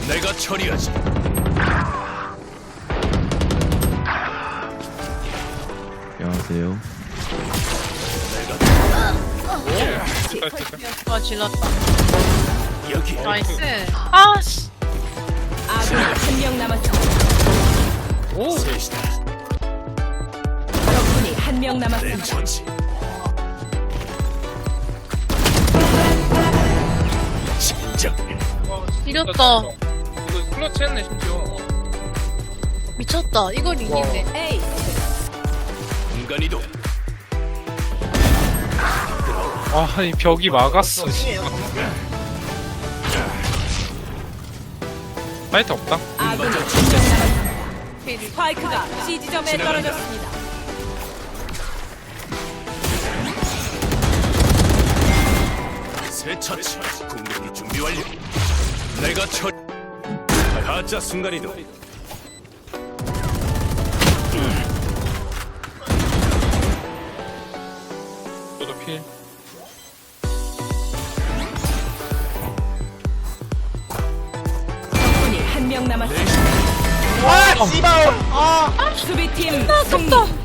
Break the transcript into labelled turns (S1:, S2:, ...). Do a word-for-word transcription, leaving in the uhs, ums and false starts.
S1: 내가 처리하지.
S2: 안녕하세요.
S3: 아 질렀다.
S1: 여기.
S3: 나이스. 아씨.
S4: 아군이 한 명 남았습니다.
S1: 오. 셋이다.
S4: 적군이 한 명
S1: 내
S4: 남았습니다.
S1: 처치. 진정.
S3: 이겼다.
S5: 이거 클러치 했네 심지어.
S3: 미쳤다. 이걸 이기네.
S4: 에이,
S1: 공간 이동.
S5: 아, 이 벽이 막았어. 씨. 파이트 없다.
S4: 아군이 한 명 남았습니다. 스파이크가 C 지점에 떨어졌습니다.
S1: 새 처치. 공격이 준비 완료. 내가 처. 가짜 순간 이동.
S5: 저도 필.
S4: 적군이 한 명 남았습니다.
S5: 아, 씨발. 아.
S4: 수비팀
S3: 아,
S4: 승리.
S3: 졌다.